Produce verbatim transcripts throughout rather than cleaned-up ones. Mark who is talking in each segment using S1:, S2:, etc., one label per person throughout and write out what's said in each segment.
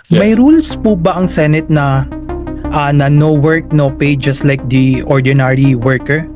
S1: Yes.
S2: May rules po ba ang Senate na ah, na no work, no pay just like the ordinary worker?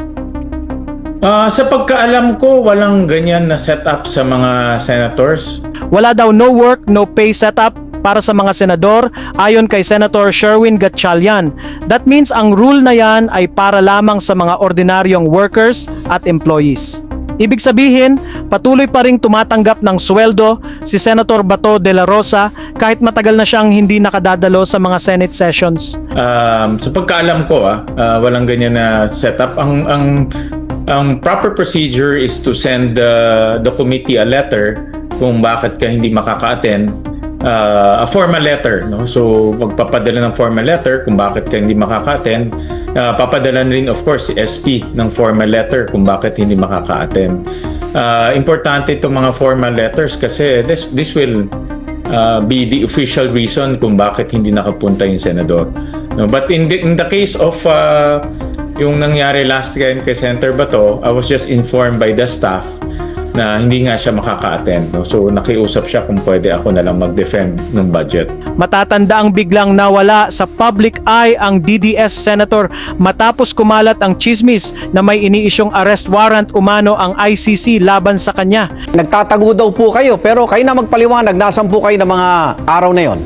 S1: Ah, sa pagkaalam ko, walang ganyan na setup sa mga senators.
S3: Wala daw no work, no pay setup para sa mga senador ayon kay Senator Sherwin Gatchalian. That means ang rule na yan ay para lamang sa mga ordinaryong workers at employees. Ibig sabihin, patuloy pa ring tumatanggap ng sweldo si Senator Bato de la Rosa kahit matagal na siyang hindi nakadadalo sa mga Senate sessions.
S1: Um, sa pagkaalam ko, ah, ah, walang ganyan na setup. Ang ang ang proper procedure is to send uh, the committee a letter kung bakit ka hindi makaka-attend. Uh, a formal letter, no? So magpapadala ng formal letter kung bakit ka hindi makaka-attend. Uh, papadala rin of course si S P ng formal letter kung bakit hindi makaka-attend. Uh, importante itong mga formal letters kasi this this will uh, be the official reason kung bakit hindi nakapunta yung senador. No, but in the, in the case of uh, yung nangyari last time kay Senator Bato, I was just informed by the staff na hindi nga siya makaka-attend. No? So nakiusap siya kung pwede ako na lang mag-defend ng budget.
S3: Matatanda ang biglang nawala sa public eye ang D D S Senator matapos kumalat ang chismis na may iniisyong arrest warrant umano ang I C C laban sa kanya.
S4: Nagtatago daw po kayo, pero kayo na magpaliwanag, nasan po kayo ng mga araw na yon?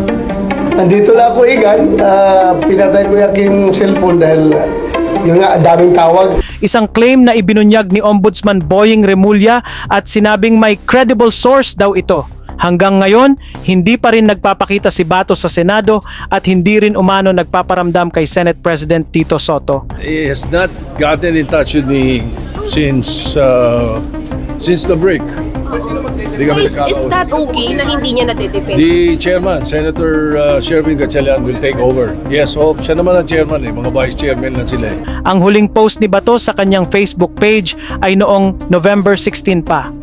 S5: Nandito na ako, Igan. Uh, pinatay ko yung aking cellphone dahil uh, yun nga, daming tawag.
S3: Isang claim na ibinunyag ni Ombudsman Boying Remulla at sinabing may credible source daw ito. Hanggang ngayon, hindi pa rin nagpapakita si Bato sa Senado at hindi rin umano nagpaparamdam kay Senate President Tito Soto.
S6: He has not gotten in touch with me since uh, since the break. Hindi
S7: So
S6: kami
S7: is, is
S6: nagkakausap.
S7: that okay na hindi niya nadedefend?
S6: The chairman, Senator uh, Sherwin Gatchalian will take over. Yes, oh, siya naman ang chairman eh. Mga vice chairman na sila eh.
S3: Ang huling post ni Bato sa kanyang Facebook page ay noong November sixteen pa.